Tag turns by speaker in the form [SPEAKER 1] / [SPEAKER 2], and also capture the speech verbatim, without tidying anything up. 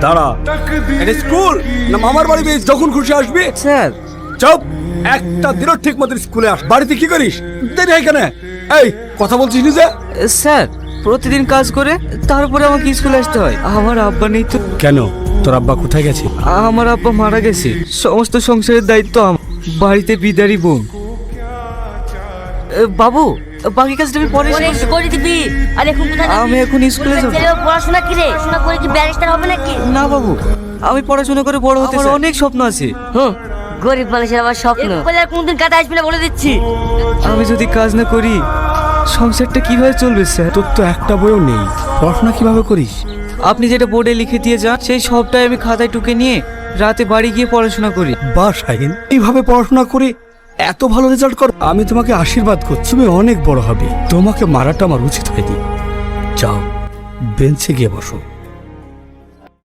[SPEAKER 1] দাঁড়া, এটা স্কুল না মামার বাড়ি? বেশ, যখন খুশি আসবি।
[SPEAKER 2] স্যার
[SPEAKER 1] চুপ, একটা দিনও ঠিক মতো স্কুলে আস। বাড়িতে কি করিস? দেরি হয় কেন? এই কথা বলছিস না যে?
[SPEAKER 2] স্যার প্রতিদিন কাজ করে তারপরে আমাকে স্কুলে আসতে হয়। আমার আব্বা নেই তো।
[SPEAKER 1] কেন, তোর আব্বা কোথায় গেছে?
[SPEAKER 2] আমার আব্বা মারা গেছে, সমস্ত সংসারের দায়িত্ব আমার। বাড়িতে বিদারি বোন। এ, বাবু বাকি কাজটা আমি পরে
[SPEAKER 3] পরে এসে করে দিবি। আর এখন কোথায় যাবি?
[SPEAKER 2] আমি এখন স্কুলে যাব।
[SPEAKER 3] ছেলে পড়াশোনা কি রে? পড়াশোনা করে কি ব্যারিস্টার হবে নাকি?
[SPEAKER 2] না বাবু, আমি পড়াশোনা করে বড় হতে চাই। অনেক স্বপ্ন আছে।
[SPEAKER 3] হুম, গরিব মানুষের আবার স্বপ্ন। বলে আর কোনদিন কাজে আসবি না বলে দিচ্ছি।
[SPEAKER 2] আমি যদি কাজ না করি সংসারটা কিভাবে চলবে স্যার?
[SPEAKER 1] তোর তো একটা বইও নেই, পড়াশোনা কিভাবে করিস?
[SPEAKER 2] আপনি যেটা বোর্ডে লিখে দিয়ে যান সেই সবটাই আমি খাতায় টুকে নিয়ে রাতে বাড়ি গিয়ে পড়াশোনা করি।
[SPEAKER 1] বা শাহিন, এইভাবে পড়াশোনা করে এত ভালো রেজাল্ট কর। আমি তোমাকে আশীর্বাদ করছি, তুমি অনেক বড় হবে। তোমাকে মারাটা আমার উচিত হয়নি। যাও, বেঞ্চে গিয়ে বসো।